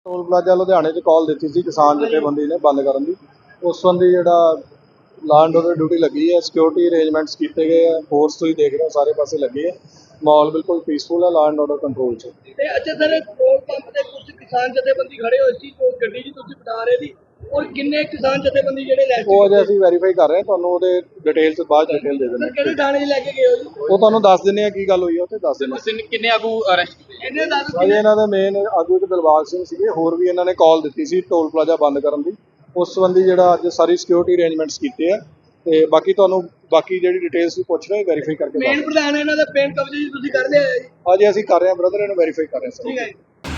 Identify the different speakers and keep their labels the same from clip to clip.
Speaker 1: Toll plaza ਲੁਧਿਆਣੇ 'ਚ ਕਾਲ ਦਿੱਤੀ ਸੀ ਕਿਸਾਨ ਜਥੇਬੰਦੀ ਨੇ ਬੰਦ ਕਰਨ ਦੀ। ਉਸ ਸੰਬੰਧੀ ਜਿਹੜਾ ਲਾਅ ਐਂਡ ਆਰਡਰ ਡਿਊਟੀ ਲੱਗੀ ਹੈ, ਸਿਕਿਉਰਿਟੀ ਅਰੇਂਜਮੈਂਟਸ ਕੀਤੇ ਗਏ ਆ, ਫੋਰਸ ਤੁਸੀਂ ਦੇਖ ਰਹੇ ਹੋ ਸਾਰੇ ਪਾਸੇ ਲੱਗੀ ਹੈ, ਮਾਹੌਲ ਬਿਲਕੁਲ ਪੀਸਫੁਲ ਹੈ, ਲਾਅ ਐਂਡ ਆਰਡਰ ਕੰਟਰੋਲ 'ਚ।
Speaker 2: ਤੇ ਅੱਛਾ ਸਰ, ਪੈਟਰੋਲ ਪੰਪ ਤੇ ਕੁਝ ਕਿਸਾਨ ਜਥੇਬੰਦੀ ਖੜੇ ਹੋਏ ਸੀ, ਉਹ ਗੱਡੀ ਜੀ ਤੁਸੀਂ ਬਤਾ ਰਹੇ ਸੀ, ਔਰ ਕਿੰਨੇ ਕਿਸਾਨ ਜਥੇਬੰਦੀ ਜਿਹੜੇ ਲੈ
Speaker 1: ਉਹ ਅਜੇ ਅਸੀਂ ਵੈਰੀਫਾਈ ਕਰ ਰਹੇ ਹਾਂ, ਤੁਹਾਨੂੰ ਉਹਦੇ ਡਿਟੇਲ 'ਚ ਬਾਅਦ ਡਿਟੇਲ ਦੇ ਦਿੰਦੇ
Speaker 2: ਕਿਹੜੇ
Speaker 1: ਹਾਂ।
Speaker 2: ਥਾਣੇ 'ਚ ਲੈ ਕੇ ਗਏ ਹੋ ਜੀ?
Speaker 1: ਉਹ ਤੁਹਾਨੂੰ ਦੱਸ ਦਿੰਦੇ ਆ ਕੀ ਗੱਲ ਹੋਈ ਹੈ, ਉੱਥੇ ਦੱਸ ਦਿੰਦੇ ਹਾਂ।
Speaker 3: ਕਿੰਨੇ ਆਗੂ ਅਰੈਸਟ ਕੀਤੇ?
Speaker 2: ਇਹਨੇ ਦੱਸ
Speaker 1: ਅਜੇ ਇਹਨਾਂ ਦੇ ਮੇਨ ਆਗੂ ਇੱਕ ਦਿਲਬਾਗ ਸਿੰਘ ਸੀਗੇ, ਹੋਰ ਵੀ ਇਹਨਾਂ ਨੇ ਕਾਲ ਦਿੱਤੀ ਸੀ ਟੋਲ ਪਲਾਜ਼ਾ ਬੰਦ ਕਰਨ ਦੀ। ਉਸ ਸੰਬੰਧੀ ਜਿਹੜਾ ਅੱਜ ਸਾਰੀ ਸਿਕਿਉਰਿਟੀ ਅਰੇਂਜਮੈਂਟਸ ਕੀਤੇ ਆ, ਤੇ ਬਾਕੀ ਤੁਹਾਨੂੰ ਬਾਕੀ ਜਿਹੜੀ ਡਿਟੇਲਸ ਵੀ ਪੁੱਛ ਰਹੇ ਵੈਰੀਫਾਈ ਕਰਕੇ
Speaker 2: ਮੇਨ ਪ੍ਰਧਾਨ ਇਹਨਾਂ ਦਾ ਪੈਨ ਕਬਜ਼ੇ ਜੀ ਤੁਸੀਂ ਕਰ ਲਿਆ ਹੈ ਜੀ?
Speaker 1: ਅਜੇ ਅਸੀਂ ਕਰ ਰਹੇ ਹਾਂ ਬ੍ਰਦਰ, ਇਹਨੂੰ ਵੈਰੀਫਾਈ ਕਰ ਰਹੇ ਹਾਂ
Speaker 2: ਠੀਕ
Speaker 1: ਸਰ।
Speaker 2: ਹੈ ਜੀ।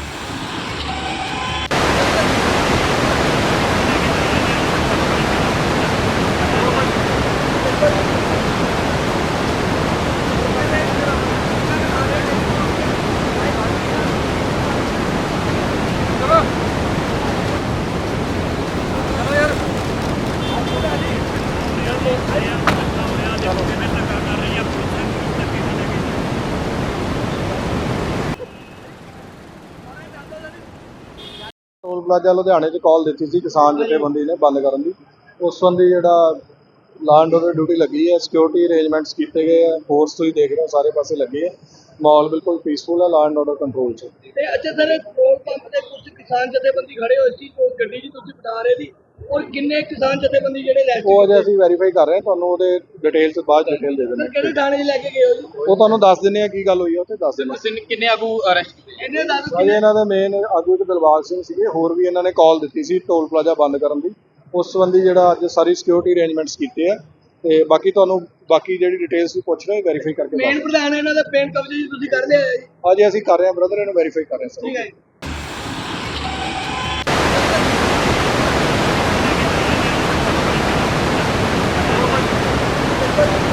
Speaker 1: ਟੋਲ ਪਲਾਜ਼ਾ ਲੁਧਿਆਣੇ 'ਚ ਕਾਲ ਦਿੱਤੀ ਸੀ ਕਿਸਾਨ ਜਥੇਬੰਦੀ ਨੇ ਬੰਦ ਕਰਨ ਦੀ। ਉਸ ਸੰਬੰਧੀ ਜਿਹੜਾ ਲਾਅ ਐਂਡ ਆਰਡਰ ਡਿਊਟੀ ਲੱਗੀ ਹੈ, ਸਿਕਿਉਰਿਟੀ ਅਰੇਂਜਮੈਂਟਸ ਕੀਤੇ ਗਏ ਆ, ਫੋਰਸ ਤੁਸੀਂ ਦੇਖ ਰਹੇ ਹੋ ਸਾਰੇ ਪਾਸੇ ਲੱਗੀ ਹੈ, ਮਾਹੌਲ ਬਿਲਕੁਲ ਪੀਸਫੁਲ ਹੈ, ਲਾਅ ਐਂਡ ਆਰਡਰ ਕੰਟਰੋਲ 'ਚ।
Speaker 2: ਤੇ ਅੱਛਾ ਸਰ, ਪੈਟਰੋਲ ਪੰਪ ਤੇ ਕੁਝ ਕਿਸਾਨ ਜਥੇਬੰਦੀ ਖੜੇ ਹੋਏ ਸੀ, ਉਹ ਗੱਡੀ ਜੀ ਤੁਸੀਂ ਬਤਾ ਰਹੇ ਸੀ, ਔਰ ਕਿੰਨੇ ਕਿਸਾਨ ਜਥੇਬੰਦੀ ਜਿਹੜੇ ਲੈ
Speaker 1: ਉਹ ਅਜੇ ਅਸੀਂ ਵੈਰੀਫਾਈ ਕਰ ਰਹੇ ਹਾਂ, ਤੁਹਾਨੂੰ ਉਹਦੇ ਡਿਟੇਲ 'ਚ ਬਾਅਦ ਡਿਟੇਲ ਦੇ ਦਿੰਦੇ
Speaker 2: ਕਿਹੜੇ
Speaker 1: ਹਾਂ।
Speaker 2: ਥਾਣੇ 'ਚ ਲੈ ਕੇ ਗਏ ਹੋ ਜੀ?
Speaker 1: ਉਹ ਤੁਹਾਨੂੰ ਦੱਸ ਦਿੰਦੇ ਆ ਕੀ ਗੱਲ ਹੋਈ ਹੈ, ਉੱਥੇ ਦੱਸ ਦਿੰਦੇ ਹਾਂ।
Speaker 3: ਕਿੰਨੇ ਆਗੂ ਅਰੈਸਟ ਕੀਤੇ?
Speaker 2: ਇਹਨੇ ਦੱਸ
Speaker 1: ਅਜੇ ਇਹਨਾਂ ਦੇ ਮੇਨ ਆਗੂ ਇੱਕ ਦਿਲਬਾਗ ਸਿੰਘ ਸੀਗੇ, ਹੋਰ ਵੀ ਇਹਨਾਂ ਨੇ ਕਾਲ ਦਿੱਤੀ ਸੀ ਟੋਲ ਪਲਾਜ਼ਾ ਬੰਦ ਕਰਨ ਦੀ। ਉਸ ਸੰਬੰਧੀ ਜਿਹੜਾ ਅੱਜ ਸਾਰੀ ਸਿਕਿਉਰਿਟੀ ਅਰੇਂਜਮੈਂਟਸ ਕੀਤੇ ਆ, ਤੇ ਬਾਕੀ ਤੁਹਾਨੂੰ ਬਾਕੀ ਜਿਹੜੀ ਡਿਟੇਲਸ ਵੀ ਪੁੱਛ ਰਹੇ ਵੈਰੀਫਾਈ ਕਰਕੇ
Speaker 2: ਮੇਨ ਪ੍ਰਧਾਨ ਇਹਨਾਂ ਦਾ ਪੈਨ ਕਬਜ਼ੇ ਜੀ ਤੁਸੀਂ ਕਰ ਲਿਆ ਹੈ ਜੀ?
Speaker 1: ਅਜੇ ਅਸੀਂ ਕਰ ਰਹੇ ਹਾਂ ਬ੍ਰਦਰ, ਇਹਨੂੰ ਵੈਰੀਫਾਈ ਕਰ ਰਹੇ ਹਾਂ ਸਰ।
Speaker 2: ਠੀਕ ਹੈ ਜੀ।
Speaker 1: Thank you.